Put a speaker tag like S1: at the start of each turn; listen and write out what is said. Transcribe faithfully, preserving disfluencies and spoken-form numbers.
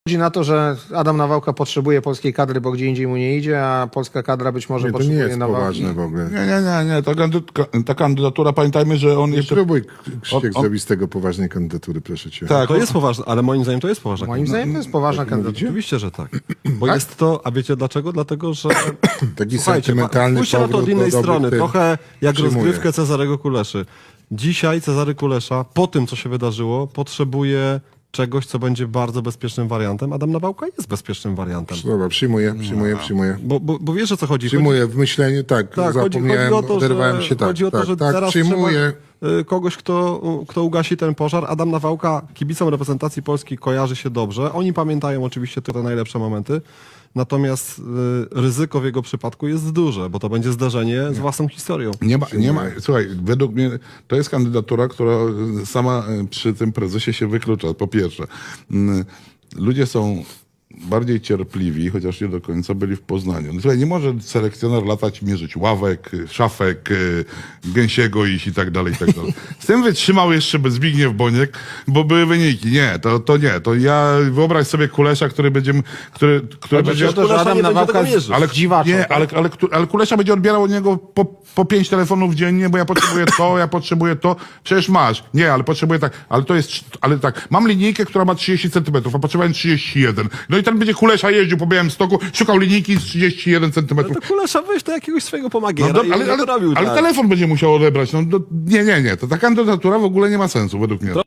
S1: Chodzi na to, że Adam Nawałka potrzebuje polskiej kadry, bo gdzie indziej mu nie idzie, a polska kadra być może
S2: Nie, to nie
S1: potrzebuje
S2: jest
S1: Nawałki.
S2: poważne w ogóle.
S3: Nie, nie, nie, nie. Ta, kandydatura, ta kandydatura, pamiętajmy, że on
S2: Nie
S3: jeszcze...
S2: próbuj, Krzysiek,
S3: on- on-
S2: zrobić z tego poważnej kandydatury, proszę cię.
S3: Tak,
S4: To jest poważne, ale moim zdaniem to jest poważna
S1: Moim zdaniem to jest poważna kandydatura.
S4: Oczywiście, że tak. Bo
S2: Tak?
S4: jest to, a wiecie dlaczego? Dlatego, że
S2: Taki
S4: słuchajcie,
S2: sentymentalny
S4: spójrzcie na to od
S2: powrót
S4: innej
S2: do dobrych
S4: strony,
S2: tych-
S4: trochę jak
S2: Przyjmuję.
S4: rozgrywkę Cezarego Kuleszy. Dzisiaj Cezary Kulesza, po tym co się wydarzyło, potrzebuje czegoś, co będzie bardzo bezpiecznym wariantem. Adam Nawałka jest bezpiecznym wariantem.
S2: Dobra, przyjmuję, przyjmuję, przyjmuję.
S4: Bo, bo, bo wiesz, o co chodzi?
S2: Przyjmuję w myśleniu, tak,
S4: Tak, chodzi,
S2: zapomniałem,
S4: chodzi o to,
S2: oderwałem
S4: że,
S2: się, tak,
S4: chodzi o to,
S2: tak,
S4: że
S2: tak,
S4: teraz
S2: przyjmuję.
S4: trzeba y, kogoś, kto, kto ugasi ten pożar. Adam Nawałka kibicom reprezentacji Polski kojarzy się dobrze. Oni pamiętają oczywiście te najlepsze momenty. Natomiast y, ryzyko w jego przypadku jest duże, bo to będzie zdarzenie z własną historią.
S3: Nie ma, nie ma, słuchaj, według mnie to jest kandydatura, która sama e, przy tym prezesie się wyklucza. Po pierwsze, mm, ludzie są bardziej cierpliwi, chociaż nie do końca byli w Poznaniu. No, słuchaj, nie może selekcjoner latać, mierzyć ławek, szafek, e, gęsiego iść i tak dalej, i tak dalej. Z tym wytrzymał jeszcze Zbigniew Boniek, bo były wyniki. Nie, to, to nie. To ja wyobraź sobie Kulesza, który będzie, który, który
S1: Chodzi
S3: będzie...
S1: o to, że
S4: Kulesza
S1: Adam
S4: nie będzie
S1: Nawałka
S4: tego mierzył.
S3: Ale,
S1: zdziwaczał.
S3: nie,
S1: tak?
S3: ale, ale, kto- ale Kulesza będzie odbierał od niego po, po pięć telefonów dziennie, bo ja potrzebuję to, ja potrzebuję to. Przecież masz. Nie, ale potrzebuję tak. Ale to jest, ale tak. Mam linijkę, która ma trzydzieści centymetrów, a potrzebuję trzydzieści jeden. No i ten będzie Kulesza jeździł po Białymstoku, szukał linijki z trzydzieści jeden
S4: No
S3: centymetrów.
S4: to Kulesza weź do jakiegoś swojego pomagiera
S3: No, do,
S4: i
S3: ale,
S4: ale,
S3: ale,
S4: robił
S3: ale
S4: tak.
S3: telefon będzie musiał odebrać. No, do, nie, nie, nie. To ta kandydatura w ogóle nie ma sensu według mnie.